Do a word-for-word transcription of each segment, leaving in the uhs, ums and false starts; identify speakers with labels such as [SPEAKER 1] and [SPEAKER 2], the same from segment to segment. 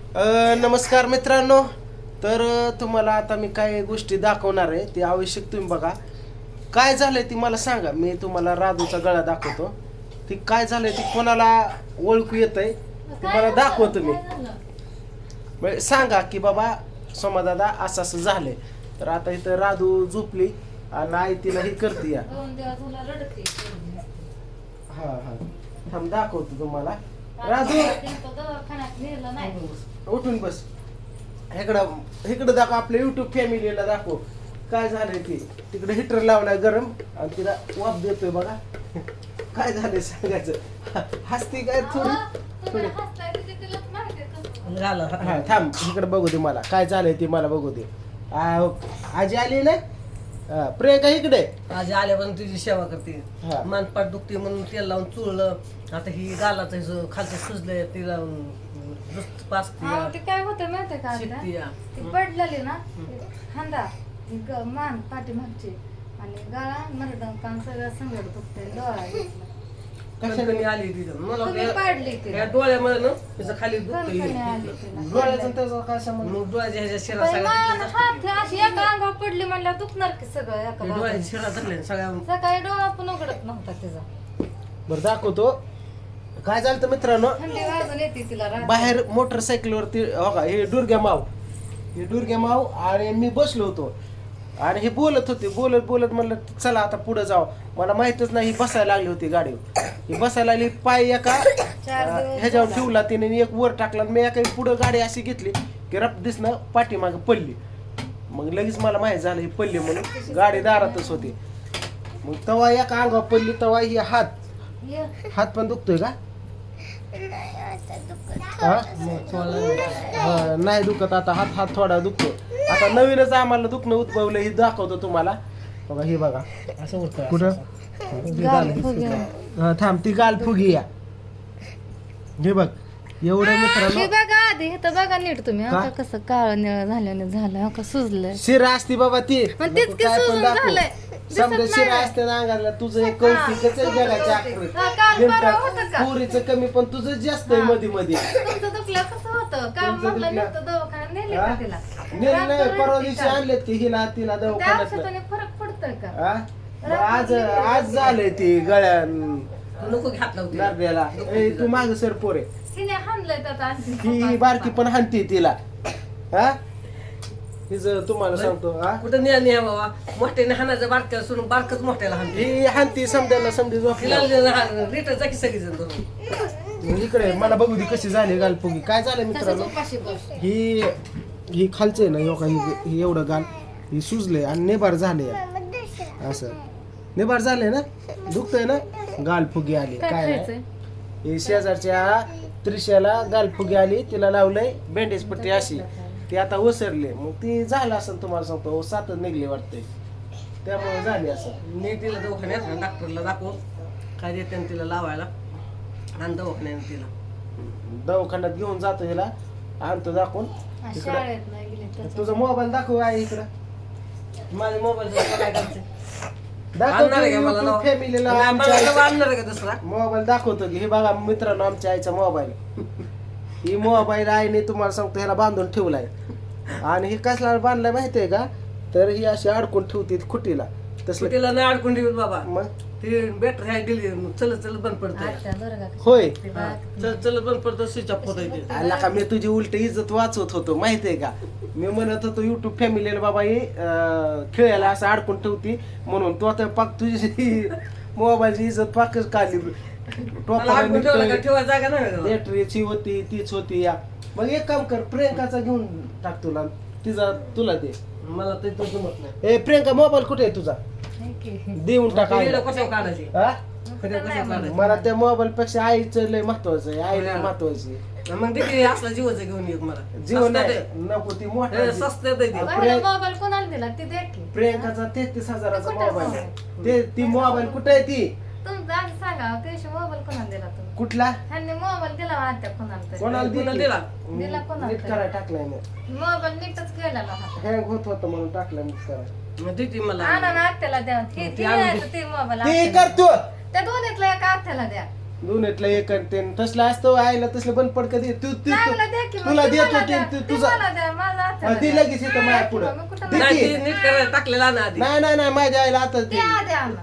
[SPEAKER 1] अ, नमस्कार मित्रांनो. तर अ, तुम्हाला आता मी काय गोष्टी दाखवणार आहे ते आवश्यक तुम्ही बघा. काय झालंय ती मला सांगा. मी तुम्हाला राधूचा गळा दाखवतो. ती काय झालंय ती कोणाला ओळखू येतंय तुम्हाला दाखवतो मी. म्हणजे सांगा की बाबा सोमादादा असं असं झालंय. तर आता इथं राधू झोपली आणि आई तिला ही करते या. हा हा थांब दाखवतो तुम्हाला. राधू उठून बस. इकडं इकडं दाखव आपल्या युट्यूब फॅमिलीला दाखव काय झालंय ते. तिकडे हिटर लावलाय गरम आणि तिला वाफ देतोय बघा. काय झालंय सांगायचं. हसती काय थोडी थोडी. हा थांब इकडे बघू दे मला काय झालंय ते मला बघू दे. आ, आजी आली ना. हा, प्रियंका इकडे.
[SPEAKER 2] आजी आल्यापासून तुझी सेवा करते.
[SPEAKER 1] हा.
[SPEAKER 2] मानपाट दुखते म्हणून तेल लावून चुळलं. आता ही गालाचं हिचं खालचं सुजलंय ते लावून नुसतं पाचते.
[SPEAKER 3] हा, ते काय होतं माहितीये का आता?
[SPEAKER 2] शिकते या.
[SPEAKER 3] ती पडलेली ना खांदा ग- मान पाठीमागची आणि गळा मरडं कान सगळं संगड दुखते डोळा घेतला.
[SPEAKER 2] कशाने मी आली तिथं मला
[SPEAKER 3] तुम्ही
[SPEAKER 2] वाटलं
[SPEAKER 3] पाडली
[SPEAKER 2] या-
[SPEAKER 3] तिला.
[SPEAKER 2] या डोळ्यामध्ये ना तिचं खाली
[SPEAKER 3] कणकणी आली
[SPEAKER 2] दुखतं.
[SPEAKER 3] तिला.
[SPEAKER 1] डोळ्याचं त्याचा काय संबंध.
[SPEAKER 2] मग डोळ्याच्या ह्याच्या शिरा
[SPEAKER 3] बाई,
[SPEAKER 2] सगळ्या
[SPEAKER 3] मान,
[SPEAKER 2] तिथं
[SPEAKER 3] हात हे अशी एका अंगावर पडली म्हणल्यावर दुखणार की सगळं एका
[SPEAKER 2] डोळ्याच्या
[SPEAKER 3] बाजूला.
[SPEAKER 2] शिरा धरल्या सगळ्या.
[SPEAKER 3] सकाळी डोळा पण उघडत नव्हता तिचा.
[SPEAKER 1] बरं दाखवतो काय झालं तर मित्रांनो.
[SPEAKER 3] थंडी वाजून येते तिला रात्री.
[SPEAKER 1] बाहेर मोटरसायकलवरती हो का हे दुर्ग्या माव हे दुर्ग्या माव आणि मी बसलो होतो आणि हे बोलत होते बोलत बोलत म्हणलं चला आता पुढे जाऊ. मला माहितच नाही ही बसायला लागली होती गाडीवर. ही बसायला लागली पाय एका
[SPEAKER 3] चार
[SPEAKER 1] अं,
[SPEAKER 3] दिवस
[SPEAKER 1] ह्याच्यावर
[SPEAKER 3] झाला.
[SPEAKER 1] ठेवला तिने आणि एक वर टाकला आणि मी एका पुढं गाडी अशी घेतली की रप दिसणं पाठीमागे पडली. मग लगेच मला माहित झालं ही पडली म्हणून. गाडी दारातच होती. मग तवा एका अंगावर पडली तवा ही हात
[SPEAKER 3] ये.
[SPEAKER 1] हात पण दुखतोय का. हा? हा, नाही दुखत आता हात हात थोडा दुखतो. आता नवीनच आम्हाला दुखणं उद्भवलं हे दाखवतो तुम्हाला बघा. हे बघा
[SPEAKER 2] असं होतं
[SPEAKER 1] कुठं
[SPEAKER 3] गाल फुगे.
[SPEAKER 1] हा, थांब ती गाल फुगी या. हे बग एवढं
[SPEAKER 3] हे
[SPEAKER 1] मित्रांनो.
[SPEAKER 3] बघा आधी हे तर बघा नीट तुम्ही
[SPEAKER 1] का?
[SPEAKER 3] आता कसं काळ निळ झाल्याने झालं हो का सुजलंय.
[SPEAKER 1] शिरा असती बाबा ती
[SPEAKER 3] पण तेच की
[SPEAKER 1] काय पण
[SPEAKER 3] सुजून
[SPEAKER 1] दाखव.
[SPEAKER 3] झालंय.
[SPEAKER 1] समजा
[SPEAKER 3] दिसत
[SPEAKER 1] शिरा
[SPEAKER 3] नाही.
[SPEAKER 1] असते ना अंगाला तुझं एक कौतिकच आहे जगाच्या
[SPEAKER 3] हा, काल परवा होतं का?
[SPEAKER 1] पुरीचं कमी पण तुझं जास्त आहे
[SPEAKER 3] हा.
[SPEAKER 1] मध्ये मध्ये.
[SPEAKER 3] तुमचं दुखलं कसं होतं का
[SPEAKER 1] तुमचं
[SPEAKER 3] म्हटलं
[SPEAKER 1] दुखलं.
[SPEAKER 3] नव्हतं दवाखान्यात नेले
[SPEAKER 1] हा?
[SPEAKER 3] का तिला.
[SPEAKER 1] नेलं
[SPEAKER 3] रात्र
[SPEAKER 1] नाही परवा
[SPEAKER 3] रात्री
[SPEAKER 1] दिवशी
[SPEAKER 3] का?
[SPEAKER 1] आणलेत की हिला तिला
[SPEAKER 3] त्या
[SPEAKER 1] दवाखान्यात.
[SPEAKER 3] औषधाने फरक पडतोय का.
[SPEAKER 1] हा? मग आज आज झालंय ती गळ्या
[SPEAKER 2] नको घातलं होतं.
[SPEAKER 1] नारद्याला. ए, तू माग सर पोरे.
[SPEAKER 3] तिने हाणलंय त्यात आणखी
[SPEAKER 1] ही बारकी पण हाणती तिला. हा हिचं तुम्हाला सांगतो. हा
[SPEAKER 2] कुठं न्या न्या बाबा मोठ्याने हाणायचं बारक्याला सोडून बारकच मोठ्याला हाणते.
[SPEAKER 1] ही हाणती समजायला समजी
[SPEAKER 2] तिला
[SPEAKER 1] झोपली.
[SPEAKER 2] रिटर जा की सगळीजण धरून.
[SPEAKER 1] इकडे मला बघू दे कशी झाली गालपुगी. काय झालं
[SPEAKER 3] तसंच
[SPEAKER 1] मित्रांनो.
[SPEAKER 3] उपाशी बस.
[SPEAKER 1] ही ही खालचं आहे ना हो का ही ही एवढं गाल ही सुजले आणि नेबार झाले असं. नेबार झाले ना दुखतंय ना गालफुगी आली.
[SPEAKER 3] काय
[SPEAKER 1] काय
[SPEAKER 3] खायचंय.
[SPEAKER 1] नाही. ही शेजारच्या त्रिशाला गालफुगी आली तिला लावलंय बँडेज पट्टी अशी. ती आता ओसरली मग ती झालं असं तुम्हाला सांगतो सातच निघली वाटते त्यामुळे झाली असं.
[SPEAKER 2] मी तिला दवाखान्यात डॉक्टरला दाखव काय देते तिला लावायला आणि दवाखान्यात तिला
[SPEAKER 1] दवाखान्यात घेऊन जातो हिला आणतो दाखवून.
[SPEAKER 3] हा,
[SPEAKER 1] इकडं
[SPEAKER 3] शाळेत नाही गेले तर.
[SPEAKER 1] तुझा मोबाईल दाखव आहे इकडं.
[SPEAKER 2] माझ्या मोबाईल काय करायचं
[SPEAKER 1] दाखवतो
[SPEAKER 2] आणणार आहे का मला
[SPEAKER 1] YouTube
[SPEAKER 2] नाव?
[SPEAKER 1] फॅमिलीला
[SPEAKER 2] नाही,
[SPEAKER 1] आमच्या
[SPEAKER 2] मला
[SPEAKER 1] आईचा
[SPEAKER 2] आणणार आहे का दुसरा
[SPEAKER 1] मोबाईल दाखवतो की हे बघा मित्रांनो आमच्या आईचा मोबाईल. ही मोबाईल आईने तुम्हाला सांगतो ह्याला बांधून ठेवलाय आणि हे कसला बांधलाय माहितीये का. तर ही अशी अडकून ठेवते खुटीला तसलं.
[SPEAKER 2] तिला नाही अडकून ठेवत बाबा.
[SPEAKER 1] मग
[SPEAKER 2] ती बॅटरी आहे दिली चलत चलत बंद पडते.
[SPEAKER 3] अच्छा, बरं का?
[SPEAKER 1] होय.
[SPEAKER 3] ते बघा.
[SPEAKER 2] चलत चलत बंद पडतं स्विच ऑफ होत आहे.
[SPEAKER 1] आला का मी तुझी उलट इज्जत वाचवत होतो माहितीये का. मी म्हणत होतो युट्यूब फॅमिलीला बाबा ही अं, खेळायला असं अडकून ठेवती म्हणून. तो आता पाक तुझी मोबाईलची इज्जत पाकच काढली.
[SPEAKER 2] मला अडकून ठेवलं का ठेवायला जागा नाही का?
[SPEAKER 1] बॅटरीची होती तीच होती या. मग एक काम कर प्रियंकाचा घेऊन टाक तुला तिचा तुला दे.
[SPEAKER 2] मला ते तो जमत नाही.
[SPEAKER 1] ए प्रियंका मोबाईल कुठे आहे तुझा
[SPEAKER 3] नाही की.
[SPEAKER 1] देऊन टाक
[SPEAKER 2] व्हिडिओ
[SPEAKER 1] आईला.
[SPEAKER 2] कशावर काढायची
[SPEAKER 1] हा?
[SPEAKER 2] व्हिडिओ कशावर काढायची
[SPEAKER 1] मला त्या मोबाईल पेक्षा आईचं लय महत्वाचं आहे. आई लय महत्वाची आहे.
[SPEAKER 2] मग देखील असला जीवाचं घेऊन येत मला
[SPEAKER 1] जीवन
[SPEAKER 2] स्वस्तात
[SPEAKER 1] नाही
[SPEAKER 2] आहे.
[SPEAKER 1] नको ती मोठा
[SPEAKER 2] हे स्वस्त आहे ते.
[SPEAKER 3] पहिला मोबाईल कोणाला दिला ते दे की.
[SPEAKER 1] प्रियंकाचा तेहतीस हजाराचा
[SPEAKER 3] कुठे
[SPEAKER 1] मोबाईल
[SPEAKER 3] मोबाईल?
[SPEAKER 1] आहे. ते ती मोबाईल कुठे आहे ती
[SPEAKER 3] तुमचं आधी सांगा कैसे मोबाईल कोणाला दिला तुम्ही.
[SPEAKER 1] कुठला
[SPEAKER 3] ह्यांनी मोबाईल दिला आता कोणाला तरी.
[SPEAKER 1] कोणाला
[SPEAKER 2] कोणाला
[SPEAKER 1] दे
[SPEAKER 2] दिला?
[SPEAKER 1] की?
[SPEAKER 3] दिला कोणाला
[SPEAKER 1] नीट
[SPEAKER 3] तरी.
[SPEAKER 1] करायला टाकलाय मी.
[SPEAKER 3] मोबाईल नीटच केलेला हा.
[SPEAKER 1] हँग होत होतं म्हणून टाकलं नीट करायला.
[SPEAKER 2] मग देते मला
[SPEAKER 3] आणा ना आत्याला द्या. हे
[SPEAKER 2] ती
[SPEAKER 3] ती
[SPEAKER 2] आणून
[SPEAKER 3] आहे
[SPEAKER 2] दे.
[SPEAKER 3] ते मोबाईल
[SPEAKER 1] ते
[SPEAKER 3] आत्याला.
[SPEAKER 1] करतो
[SPEAKER 3] त्या दोन्हीतला एका आत्याला द्या.
[SPEAKER 1] दोन्हीतलं एक आणि ते तसलं असतं आईला तसलं बंद पड कधी तू तू
[SPEAKER 3] चांगलं द्या की मग.
[SPEAKER 1] तुला
[SPEAKER 3] ती
[SPEAKER 1] देत
[SPEAKER 3] मला
[SPEAKER 1] होती
[SPEAKER 3] द्या.
[SPEAKER 1] तू-
[SPEAKER 3] ती
[SPEAKER 1] तुझा
[SPEAKER 3] मला द्या, माझ्या हाताला
[SPEAKER 1] हा, ती
[SPEAKER 3] द्या.
[SPEAKER 1] लगेच येतं माझ्या पुढं.
[SPEAKER 3] मग कुठं
[SPEAKER 1] दे
[SPEAKER 2] नाही
[SPEAKER 1] की.
[SPEAKER 2] ती नीट करायला टाकलेला ना आधी
[SPEAKER 1] नाही नाही नाही माझ्या आईला आता
[SPEAKER 3] द्या, द्या ना.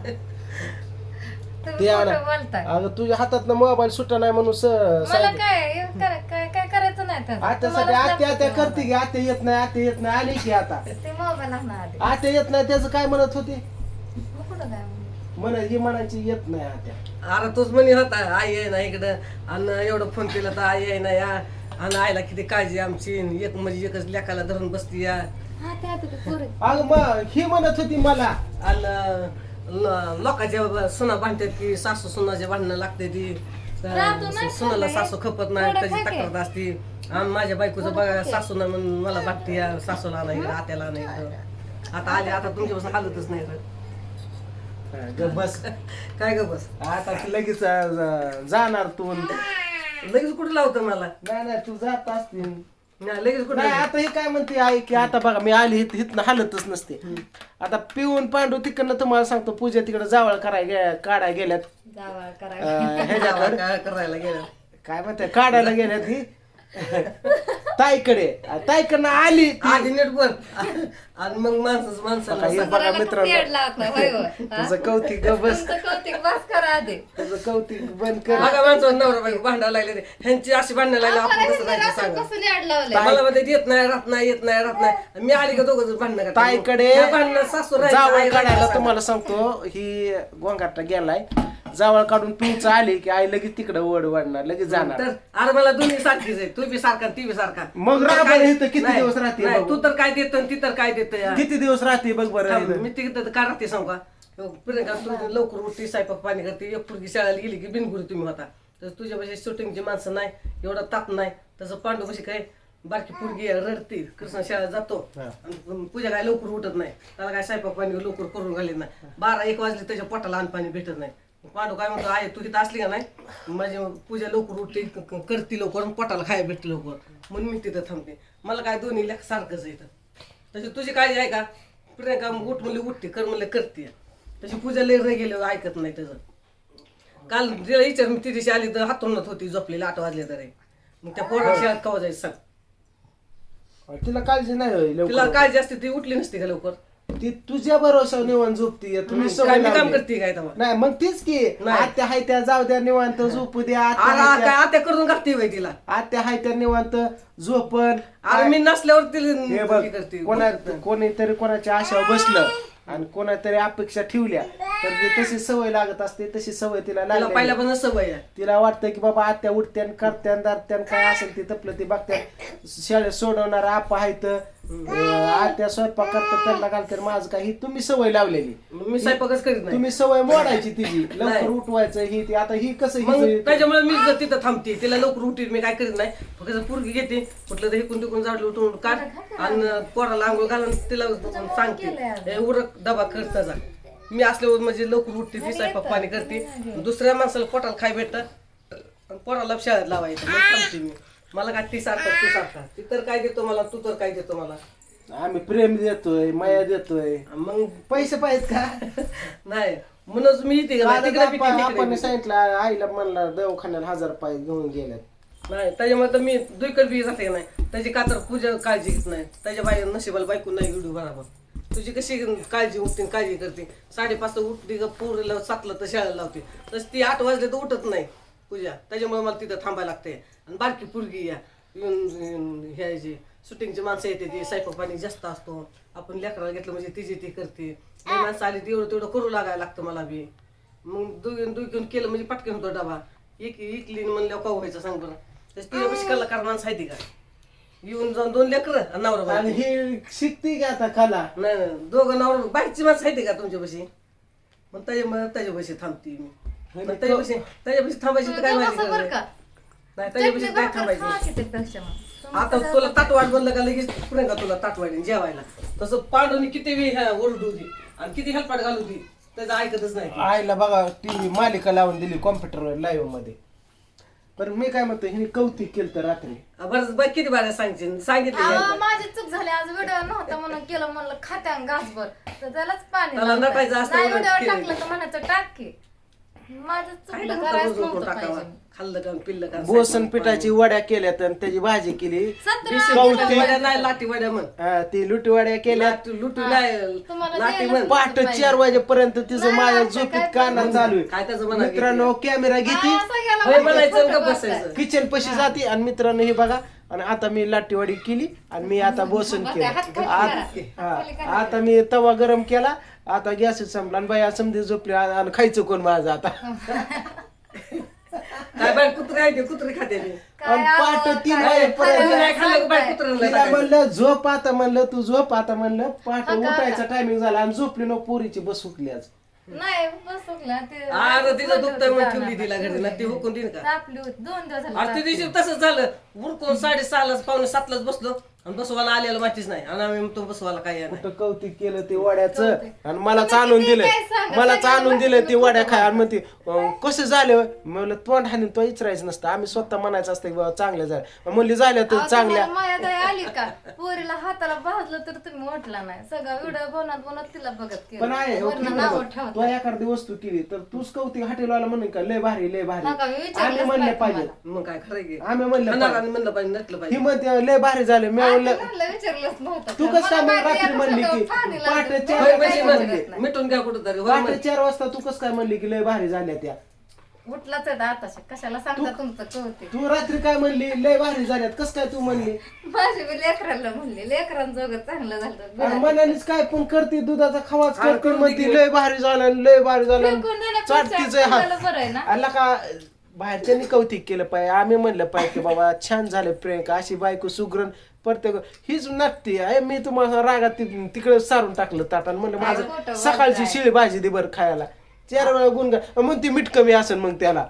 [SPEAKER 3] तुम्ही
[SPEAKER 1] ते
[SPEAKER 3] खोटं
[SPEAKER 1] आणा.
[SPEAKER 3] बोलताय.
[SPEAKER 1] अगं तुझ्या हातात मोबाईल सुट्टा नाही म्हणून स-
[SPEAKER 3] मला
[SPEAKER 1] सांगितलं.
[SPEAKER 3] काय हे करा- काय काय करायचं नाही त्याचं.
[SPEAKER 1] आत्यासाठी
[SPEAKER 3] तुम्हालाच
[SPEAKER 1] आत्या आत्या
[SPEAKER 3] लागतं
[SPEAKER 1] करते की आत्या येत नाही आत्या येत नाही आली की आता
[SPEAKER 3] ते मोबाईल आणा आधी.
[SPEAKER 1] आत्या येत नाही त्याचं काय म्हणत होती
[SPEAKER 3] मग कुठं काय म्हणू?
[SPEAKER 1] म्हण ही म्हणायची येत नाही आत्या
[SPEAKER 2] अरे तोच म्हणे होता आई आहे ना इकडं आणि एवढं फोन केला तर आई आहे ना या आणि आईला किती काळजी आमची एक म्हणजे एकच लेकाला धरून बसती या
[SPEAKER 3] हा ते आता ते पोरं.
[SPEAKER 1] अगं मग ही म्हणत होती मला
[SPEAKER 2] आणि ल- लोकांच्या सुना भांडतात की सासू सुनाचे भांडणं लागते ती
[SPEAKER 3] राहतो नाही
[SPEAKER 2] सुनाला
[SPEAKER 3] खाल्लंय.
[SPEAKER 2] सासू खपत नाही
[SPEAKER 3] थोडं
[SPEAKER 2] त्याची
[SPEAKER 3] खा की.
[SPEAKER 2] तक्रार असती आणि माझ्या बायकोचं
[SPEAKER 3] थोडं
[SPEAKER 2] बघा
[SPEAKER 3] खा की.
[SPEAKER 2] सासू ना म्हणून मला भागते या सासूला नाही इकडं आत्याला नाही इकडं आता आले आता तुमच्यापासून हालतच नाही रे.
[SPEAKER 1] हा, ग बस
[SPEAKER 2] काय ग बस
[SPEAKER 1] आता ती लगेच अं, जाणार तू
[SPEAKER 2] लगेच कुठं लावतं मला
[SPEAKER 1] नाही नाही तू जात असतील
[SPEAKER 2] नाही, लगेच कुठं
[SPEAKER 1] नाही आता हे काय म्हणते आई की आता बघा मी आली हित हितनं हालतच नसते आता पिऊन पांडू तिकडनं तुम्हाला सांगतो पूजा तिकडे जावळ करायला काढाय गेल्यात
[SPEAKER 3] जावळ करायला.
[SPEAKER 1] अं, ह्याच्याकडे
[SPEAKER 2] काय करायला गेलं
[SPEAKER 1] काय म्हणते काढायला गेल्यात ही ताईकडे ताईकडनं आली ती.
[SPEAKER 2] आधी नीट बोल आणि मग माणसाच माणसाला
[SPEAKER 1] हे बघा
[SPEAKER 3] सगळ्यांना
[SPEAKER 1] मित्रांनो
[SPEAKER 3] खूप येड लावतं, होय होय. हा?
[SPEAKER 1] तुझं कौतिक ग बस
[SPEAKER 3] तुमचं कौतिक बस करा आधी.
[SPEAKER 1] तुझं कौतिक बंद कर
[SPEAKER 2] बघा माणसावर नवरा बायको भांडायला लागले ते. ह्यांची अशी भांडणं लागली आपण
[SPEAKER 3] आपल्याला
[SPEAKER 2] कसं
[SPEAKER 3] हिंदीला
[SPEAKER 2] राहायचं
[SPEAKER 3] असं
[SPEAKER 2] सांगा
[SPEAKER 3] कसं याड लावलंय?
[SPEAKER 2] मला मध्ये येत नाही राहत नाही येत नाही राहत नाही मी आली का दोघं भांडणं करतात.
[SPEAKER 1] ताईकडे
[SPEAKER 2] या भांडणं सासू राहायचं,
[SPEAKER 1] जावळ
[SPEAKER 2] आई
[SPEAKER 1] काढायला
[SPEAKER 2] राहायचं.
[SPEAKER 1] तुम्हाला सांगतो ही गोंगाटा गेलाय जावळ काढून पिऊच आली की आई लगेच तिकडे वड वाढणार लगेच जाणार
[SPEAKER 2] तर अरे मला दोन्ही सारखीच आहे तू बी सारखा ती बी सारखा
[SPEAKER 1] मग
[SPEAKER 2] तू तर
[SPEAKER 1] राहा
[SPEAKER 2] काय-
[SPEAKER 1] बरं इथं किती
[SPEAKER 2] नाही,
[SPEAKER 1] दिवस राहते
[SPEAKER 2] नाही,
[SPEAKER 1] बघू.
[SPEAKER 2] तू तर काय देत ती तर काय देत
[SPEAKER 1] किती दिवस राहते बघ बरं इथं.
[SPEAKER 2] मी तिकडे काय राहते सांग का प्रियंका तू लवकर उठती स्वयंपाक पाणी करते एक पुरगी शाळेला गेली की बिनगुरी तुम्ही होता तर तुझ्यापाशी शूटिंगची माणसं नाही एवढा ताप नाही तसं पांडू कशी काय बारकी पुरगी आहे, रडते कृष्ण शाळेत जातो
[SPEAKER 1] हा.
[SPEAKER 2] आणि पूजा काय लवकर उठत नाही त्याला काय स्वयंपाक पाणी लवकर करून घालीत नाही बारा एक वाजले त्याच्या पोटाला अन्न पाणी भेटत नाही पांडू काय म्हणतो आहे तू तिथं असली का नाही माझी पूजा लवकर उठते क- क- करते लवकर आणि पोटाला खायला भेटते लवकर म्हणून मी तिथं थांबते मला काय दोन्ही लेख सारखंच आहे इथं तशी तुझी काळजी आहे का प्रियंका उठ म्हणले उठते कर म्हणले करते तशी पूजा लय रं गेले ऐकत नाही त्याचं काल तिला विचार मी ती दिवशी आली तर हातोंडत होती झोपलेली आठ वाजले तरी मग त्या पोरा शाळेत कवा जायचं सांग
[SPEAKER 1] तिला काळजी नाही होय
[SPEAKER 2] तिला
[SPEAKER 1] लवकर.
[SPEAKER 2] काळजी असते ती उठली नसते का लवकर
[SPEAKER 1] ती तुझ्या भरोसा निवांत झोपती तुम्ही
[SPEAKER 2] काय
[SPEAKER 1] सवय
[SPEAKER 2] मी काम
[SPEAKER 1] लावली.
[SPEAKER 2] करते काय तेव्हा
[SPEAKER 1] नाही मग तीच की
[SPEAKER 2] नाही.
[SPEAKER 1] आत्या हाय त्या जाऊ द्या निवांत झोपू द्या आत्या
[SPEAKER 2] अरे
[SPEAKER 1] हाय
[SPEAKER 2] काय
[SPEAKER 1] त्या-
[SPEAKER 2] आता करून घालते बाई तिला
[SPEAKER 1] आत्या हाय त्या निवांत झोपण
[SPEAKER 2] अरे मी नसल्यावर
[SPEAKER 1] हे
[SPEAKER 2] तिला
[SPEAKER 1] बघ
[SPEAKER 2] हे करते
[SPEAKER 1] कोणा कोणीतरी कोणाच्या आशावर बसलं आणि कोणातरी अपेक्षा ठेवल्या तर ती तशी सवय लागत असते तशी सवय तिला
[SPEAKER 2] तिला
[SPEAKER 1] लागली
[SPEAKER 2] पहिल्यापासून सवय आहे
[SPEAKER 1] तिला वाटतं की बाबा आत्या उठत्यान करत्यान दारत्यान काय असेल ते तपलं ते बघत्यान शाळेत सोडवणार आपा आहेत आत्या स्वयंपाक करतात त्यांना घालतात माझं काही तुम्ही सवय लावलेली
[SPEAKER 2] मी स्वयंपाकच करीत नाही
[SPEAKER 1] तुम्ही सवय मोडायची तिची लवकर
[SPEAKER 2] नाही.
[SPEAKER 1] उठवायचं ही ती आता ही कसं
[SPEAKER 2] मग
[SPEAKER 1] हिचं-
[SPEAKER 2] त्याच्यामुळे मी जर तिथं थांबते तिला लवकर उठीत मी काय करीत नाही फक्त पुरगी घेते कुठलं तर हिकून तिकून झाडलं उठून काढ आणि पोराला आंघोळ घालून तिला सांगते "ए, उरक डबा कर त्याचा मी असल्यावर म्हणजे लवकर उठते ती स्वयंपाक पाणी करते दुसऱ्या माणसाला पोटाला खाय भेटत आणि पोराला शाळेत लावायचं मग थांबते मी मला काय ती सारखा तू सारखा ती तर काय देतो मला तू तर काय देतो मला
[SPEAKER 1] आम्ही प्रेम देतोय माया देतोय
[SPEAKER 2] मग
[SPEAKER 1] पैसे पाहिजेत का
[SPEAKER 2] नाही म्हणूनच मी इथे गेला. तिकडे बी ती
[SPEAKER 1] आपण
[SPEAKER 2] इकडे
[SPEAKER 1] आपण
[SPEAKER 2] बी.
[SPEAKER 1] सांगितलं आईला म्हणला दवाखान्याला हजार पाय घेऊन गेल्यात
[SPEAKER 2] नाही त्याच्यामुळे तर मी दुईकडे बी जाते नाही त्याची का तर पूजा काळजी घेत नाही त्याच्या बाई नशिबाला बायको नाही व्हिडिओ बरोबर तुझी कशी काळजी उठते काळजी करते साडेपाचला उठली का पोरीला सातला तर शाळेला लावते तशी ती आठ वाजले तर उठत नाही पूजा त्याच्यामुळे मला तिथं थांबायला लागते आणि बारकी पोरगी या येऊन ह्याची शूटिंगची माणसं येते ती स्वयंपाक पाणी जास्त असतो आपण लेकराला घेतलं म्हणजे तिची ती करते लई माणसं आली तेवढं तेवढं करू लागायला लागतं मला बी मग दुई दुई घेऊन केलं म्हणजे पटकन होतो डबा एक इकली म्हणल्यावर का व्हायचं सांग बरं तशी तिच्या कशी कलाकार माणसं आहे ती का येऊन जाऊन दोन लेकरं आणि नवरा
[SPEAKER 1] आणि
[SPEAKER 2] बायको.
[SPEAKER 1] ही शिकते का आता कला
[SPEAKER 2] नाही नाही दोघं नवरा बाईकची माणसं आहे ती का तुमच्यापाशी मग त्याच्या त्याच्यापाशी थांबते मी मग त्याच्यापाशी त्याच्यापाशी थांबायची तर काय माझी
[SPEAKER 3] बरं
[SPEAKER 2] गरज
[SPEAKER 3] का?
[SPEAKER 2] आहे? नाही त्याच्यापाशी काय थांबायची
[SPEAKER 3] खा की त्यापेक्षा मग. तुम्ही
[SPEAKER 2] आता
[SPEAKER 3] तर
[SPEAKER 2] तुला ताटवाट बनलं का लगेच पुढे का तुला ताटवाडी जेवायला तसं पांडूनी किती वेळ ह्या ओरडू होती आणि किती हेल्पाट घालू होती त्याचं ऐकतच नाही
[SPEAKER 1] आईला बघा टीव्ही मालिका लावून दिली कॉम्प्युटरवर लाईव्ह मध्ये पण मी काय म्हणतो हिने कौतिक केलं तर रात्री
[SPEAKER 2] बरं बरं किती बारा सांगशील सांगितलं
[SPEAKER 3] अहो,
[SPEAKER 2] यांना.
[SPEAKER 3] माझी चूक झाली आज व्हिडिओ नव्हता म्हणून केलं म्हणलं खात्यान घासभर तर त्यालाच पाणी
[SPEAKER 2] त्याला
[SPEAKER 3] लागतंय.
[SPEAKER 2] नटायचं असतं
[SPEAKER 3] नाही
[SPEAKER 2] उलट
[SPEAKER 3] व्हिडिओ
[SPEAKER 2] केलेलं.
[SPEAKER 3] टाकलं तर म्हणायचं टाक की माझं
[SPEAKER 2] खायला
[SPEAKER 3] चुकलं
[SPEAKER 2] नव्हतं
[SPEAKER 3] करायचं
[SPEAKER 2] रोज उठून
[SPEAKER 3] नव्हतं
[SPEAKER 2] टाकावा.
[SPEAKER 3] पाहिजे.
[SPEAKER 2] खाल्लं का पिल्लं का
[SPEAKER 1] बोसन पिठाची वड्या केल्यात आणि त्याची भाजी केली
[SPEAKER 3] सतरा
[SPEAKER 1] कवटी-
[SPEAKER 2] वड्या नाही लाटी वड्या म्हण
[SPEAKER 1] हा, ती लुटी वड्या केल्या
[SPEAKER 2] लाटी लुटी नाही
[SPEAKER 3] तुम्हाला
[SPEAKER 2] लाटी
[SPEAKER 3] द्यायला
[SPEAKER 2] म्हण
[SPEAKER 1] पहाटे चार वाजेपर्यंत तिचं
[SPEAKER 3] नाही,
[SPEAKER 1] माझ्या
[SPEAKER 3] आता
[SPEAKER 1] झोपीत
[SPEAKER 3] काय
[SPEAKER 1] कानात चालू
[SPEAKER 2] काय
[SPEAKER 1] आहे
[SPEAKER 2] त्याचं म्हणा
[SPEAKER 1] मित्रांनो कॅमेरा घेते
[SPEAKER 3] हा, सगळ्याला
[SPEAKER 2] होय
[SPEAKER 3] माहिती
[SPEAKER 2] म्हणायचं
[SPEAKER 3] खोटं
[SPEAKER 2] का
[SPEAKER 3] बोलताय.
[SPEAKER 2] बसायचं
[SPEAKER 1] किचन पशी जाते आणि मित्रांनो हे बघा आणि आता मी लाटीवाडी केली आणि मी आता बोसन
[SPEAKER 3] बरं,
[SPEAKER 1] केलं
[SPEAKER 3] हात खाली
[SPEAKER 1] आ-
[SPEAKER 3] करा.
[SPEAKER 1] हा,
[SPEAKER 3] हात खाली करा.
[SPEAKER 1] आता मी तवा गरम केला आता गॅस संपला आणि बाई समजे झोपली आणि खायचं कोण माझं आता
[SPEAKER 2] काय बाय कुत्रे आहे ते कुत्रे खाते ते.
[SPEAKER 3] काय
[SPEAKER 1] आणि
[SPEAKER 3] आवं,
[SPEAKER 1] पहाटे तीन
[SPEAKER 3] काय
[SPEAKER 1] वाजेपर्यंत
[SPEAKER 3] खाल्लं
[SPEAKER 2] नाही खाल्लं का बाय
[SPEAKER 3] सांगताय.
[SPEAKER 2] कुत्र्याला
[SPEAKER 1] तिला
[SPEAKER 2] टाकायचं.
[SPEAKER 1] म्हणलं झोप आता म्हणलं तू झोप आता म्हणलं पहाटे
[SPEAKER 3] हा का,
[SPEAKER 1] उठायचा टायमिंग झाला आणि झोपली नो पोरीची बस सुटली आज
[SPEAKER 3] नाही बस चुकलं ते
[SPEAKER 2] अरे तिचं दुखतंय म्हणून ठेवली
[SPEAKER 3] जाणार.
[SPEAKER 2] तिला घरी ना ती हुकून देईन का
[SPEAKER 3] तापली होती दोन दिवस झाले
[SPEAKER 2] अरे ते दिवशी तसंच झालं उरकून साडेसहालाच पावणे सातलाच बसलो आणि बसवायला आलेलं माहितीच नाही आणि आम्ही तो बसवायला काय नाही
[SPEAKER 1] कुठं कौतिक केलं ते वड्याचं
[SPEAKER 3] कौतिक.
[SPEAKER 1] आणि मला
[SPEAKER 3] तुम्ही
[SPEAKER 1] आणून
[SPEAKER 3] किती
[SPEAKER 1] दिलं
[SPEAKER 3] काय सांगा,
[SPEAKER 1] मला
[SPEAKER 3] सगळ्याला
[SPEAKER 1] आणून दिलं
[SPEAKER 3] माहिती
[SPEAKER 1] ते वड्या
[SPEAKER 3] तुम्ही
[SPEAKER 1] खाय आणि मग ते अं, कसं झालं म्हणलं तोंड हाणून तो इचरायचं नसतं आम्ही स्वतः म्हणायचं असतं की बाबा चांगल्या झाल्या म्हणली झाल्या तर
[SPEAKER 3] अहो,
[SPEAKER 1] चांगल्या
[SPEAKER 3] तुम्हाला माया दया आली का पोरीला हाताला भाजलं तर तुम्ही ओटला नाही सगळं व्हिडिओ बनवत बनवत तिला बघत केलं.
[SPEAKER 1] पण आहे हो,
[SPEAKER 3] वरनं
[SPEAKER 1] ठीक
[SPEAKER 3] नावं
[SPEAKER 1] आहे.
[SPEAKER 3] ठेवत
[SPEAKER 1] तू एखादी वस्तू केली तर तूच कौतिक हॉटेलवाला म्हणून का लय भारी लय भारी
[SPEAKER 3] नका, मी विचारलंच
[SPEAKER 1] आम्ही म्हणले
[SPEAKER 3] नाही
[SPEAKER 1] पाहिजे
[SPEAKER 3] तुम्हाला.
[SPEAKER 2] मग काय खरं की
[SPEAKER 1] आम्ही म्हणलं
[SPEAKER 2] खाणार
[SPEAKER 1] पाहिजे
[SPEAKER 2] आणि म्हणलं पाहिजे नटलं
[SPEAKER 1] ही
[SPEAKER 2] पाहिजे
[SPEAKER 1] म्हणते लय भारी झाले मी
[SPEAKER 3] आता
[SPEAKER 1] म्हणलं
[SPEAKER 3] म्हणलं विचारलंच नव्हतं
[SPEAKER 1] तू
[SPEAKER 3] का?
[SPEAKER 1] कसं काय
[SPEAKER 3] मला
[SPEAKER 1] मग
[SPEAKER 3] माहिती
[SPEAKER 1] रात्री
[SPEAKER 3] आहे
[SPEAKER 1] म्हणली
[SPEAKER 3] कसं
[SPEAKER 1] की
[SPEAKER 3] पाणी लागतं.
[SPEAKER 1] पहाटे
[SPEAKER 3] मला
[SPEAKER 1] चार
[SPEAKER 2] होय
[SPEAKER 3] काय
[SPEAKER 2] म्हणजे
[SPEAKER 3] समजत
[SPEAKER 2] म्हणली
[SPEAKER 3] नाही.
[SPEAKER 2] मिटून घ्या कुठं तरी होय
[SPEAKER 1] पहाटे
[SPEAKER 2] म्हण.
[SPEAKER 1] चार वाजता तू कसं काय म्हणली की लय भारी झाल्या त्या
[SPEAKER 3] उठलाच आहे आताशा कशाला सांगता तुमचं कळते
[SPEAKER 1] तू रात्री काय म्हणली लय भारी झाल्यात कस काय तू म्हणली
[SPEAKER 3] माझी बी लेकराला म्हणले लेकरांजोगं चांगलं झालं
[SPEAKER 1] अरे मनानेच काय पण करते दुधाचा खवाच
[SPEAKER 2] अरे
[SPEAKER 1] करते
[SPEAKER 2] करू
[SPEAKER 1] म्हणते
[SPEAKER 2] दे की.
[SPEAKER 1] लय भारी झालं लय भारी झालं
[SPEAKER 3] फेकून देण्यापेक्षा
[SPEAKER 1] चाटतीच आहे
[SPEAKER 3] आपल्याला
[SPEAKER 1] हा
[SPEAKER 3] बरं आहे ना
[SPEAKER 1] आला का बाहेरच्यांनी कौतिक केलं पाहिजे आम्ही म्हणलं पाहिजे की बाबा छान झाले प्रियंका अशी बायको सुग्रण प्रत्येक हीच नटते आहे मी तुम्हाला रागात ति- तिकडे सारून टाकलं ताटान म्हणलं
[SPEAKER 3] काय खोटं
[SPEAKER 1] माझं
[SPEAKER 3] बोलताय.
[SPEAKER 1] सकाळची शिळी भाजी दे बरं खायला चार वेळा गुण म्हणते मीठ कमी असेल मग त्याला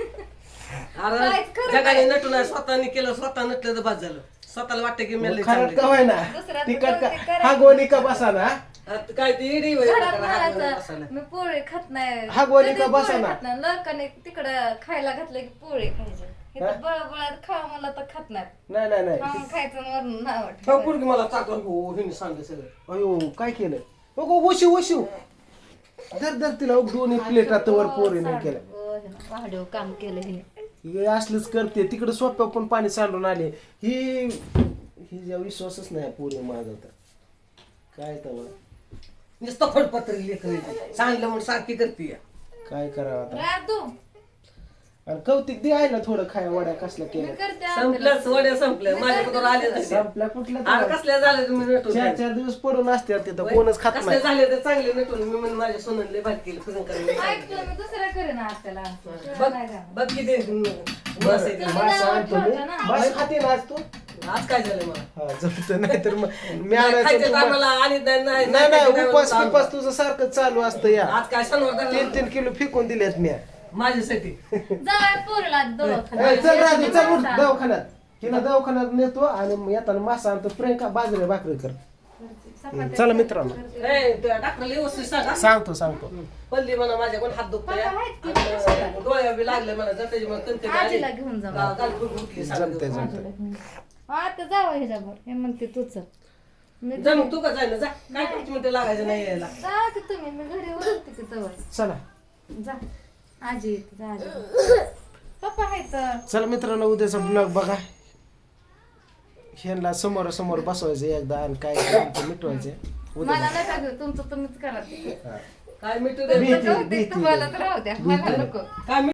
[SPEAKER 2] अरे
[SPEAKER 3] काहीच खरं
[SPEAKER 2] जगाने नटून आहे, स्वतःने केलं स्वतः नटलं तर बाद झालं स्वतःला वाटतं की मी लय
[SPEAKER 1] खरं
[SPEAKER 2] चांगली.
[SPEAKER 1] का होय ना
[SPEAKER 3] दुसऱ्याचं
[SPEAKER 1] तिकट का
[SPEAKER 3] कौतिक करायचं.
[SPEAKER 1] हा गोणी का बसा ना
[SPEAKER 2] आता काय ती इडी होय,
[SPEAKER 3] घरात
[SPEAKER 2] हात घालून
[SPEAKER 3] म्हणायचं
[SPEAKER 2] बसायला.
[SPEAKER 3] मी पोळी खात नाही
[SPEAKER 1] हा गोळी
[SPEAKER 3] कधीच
[SPEAKER 1] का
[SPEAKER 3] पोळी
[SPEAKER 1] बसा ना?
[SPEAKER 3] खात नाही लकाने तिकडं खायला घातलं की पोळी खायची इथं बळबळात खावा मला तर खात नाही
[SPEAKER 1] नाही नाही नाही
[SPEAKER 3] खाऊन खायचं वरून नाव
[SPEAKER 2] हो,
[SPEAKER 3] ठेवायचं.
[SPEAKER 2] पोरगी मला चाकून हो हिने सांगलं सगळं
[SPEAKER 1] अयो काय केलं बघ वशिव वशिव दर दर तिला दोन्ही प्लेटात वर पोरीने केलं
[SPEAKER 3] हो, वाढीव काम केलं हिने
[SPEAKER 1] हे असलंच करते तिकडे सोप्या पण पाणी सांडून आले ही ही जेव्हा विश्वासच नाही पोरी माझा तर काय तर
[SPEAKER 2] नुसतं फडपत्री लेकरं सांगितलं म्हणून सारखी करते
[SPEAKER 1] काय करावं आता
[SPEAKER 3] राहत तू
[SPEAKER 1] आणि कौतिक दे आहे ना थोडं खाया वड्या कसल्या
[SPEAKER 3] मी
[SPEAKER 1] केल्या
[SPEAKER 3] करते
[SPEAKER 2] संपल्याच वड्या संपल्या माझ्याकडून आले नाही
[SPEAKER 1] संपल्या कुठल्या
[SPEAKER 2] अरे
[SPEAKER 1] तर?
[SPEAKER 2] कसल्या झाले तुम्ही नटून
[SPEAKER 1] चार चार दिवस पडून असते तिथं कोणच खात
[SPEAKER 2] कसले
[SPEAKER 1] नाही
[SPEAKER 2] झाले तर चांगले नटून मी म्हणून माझ्या सोनले भात केलं फिरून करायला
[SPEAKER 3] ऐकतो मी दुसऱ्या करेन आज त्याला
[SPEAKER 2] बघ
[SPEAKER 3] नाही का?
[SPEAKER 2] बघ किती बस आहे ते.
[SPEAKER 1] मास आणतो मी
[SPEAKER 3] ठेवलं ना.
[SPEAKER 1] मास खाते ना आज तू
[SPEAKER 2] आज काय झालं मला
[SPEAKER 1] हा जमतं नाही तर मग मी
[SPEAKER 2] नाही,
[SPEAKER 1] आणायचं
[SPEAKER 2] खायच्या
[SPEAKER 1] तुम्हाला-
[SPEAKER 2] टायमाला आली नाही नाही
[SPEAKER 1] नाही नाही
[SPEAKER 2] खायच्या
[SPEAKER 1] उपास
[SPEAKER 2] टायमाला
[SPEAKER 1] पिपास तुझं सारखं चालू असतं या
[SPEAKER 2] आज काय शनिवार
[SPEAKER 1] तीन तीन किलो फेकून दिलेत मी
[SPEAKER 2] माझ्यासाठी
[SPEAKER 3] जाय पोरला
[SPEAKER 1] ए,
[SPEAKER 3] दवाखान्यात.
[SPEAKER 1] चल राजू चल उठ दवाखान्यात तिला दवाखान्यात नेतो आणि मग येताना मासा आणतो प्रियंका बाजरी भाकरी कर
[SPEAKER 3] चपात्या
[SPEAKER 1] चला मित्रांनो
[SPEAKER 2] ए, त्या डॉक्टरला व्यवस्थित सांगा
[SPEAKER 1] सांगतो सांगतो
[SPEAKER 2] पल्ली म्हणा माझ्या कोण हात दुखतोय
[SPEAKER 3] बाबा आहेत की
[SPEAKER 2] आणि डोळ्या बी लागले म्हणा जर त्याची मग कणकण आली.
[SPEAKER 3] आजीला घेऊन जा.
[SPEAKER 2] गा- गाल फुट फुटली
[SPEAKER 1] जमते
[SPEAKER 2] सांगतो.
[SPEAKER 1] जमते
[SPEAKER 3] आता जावं ह्याच्यावर हे म्हणते तूच मी
[SPEAKER 2] जा मग तू का जाय ना जा काय पाच मिनिटं लागायचं नाही यायला
[SPEAKER 3] जा की तुम्ही मी घरी ओळखते की जवळ
[SPEAKER 1] चला
[SPEAKER 3] जा आजी येते, जा आजी पप्पा आहेत
[SPEAKER 1] चला मित्रांनो उद्याचा ब्लॉग बघा ह्यांना समोर समोर बसवायचं एकदा आणि काय करायचं मिटवायचं उद्या
[SPEAKER 3] मला नका घेऊ तुमचं तुम्हीच करा ते.
[SPEAKER 1] हा.
[SPEAKER 2] काय मिटू दे
[SPEAKER 1] भीती,
[SPEAKER 3] तुमचं कौतिक
[SPEAKER 1] भीती.
[SPEAKER 3] तुम्हाला तर राहू द्या मला नको
[SPEAKER 2] काय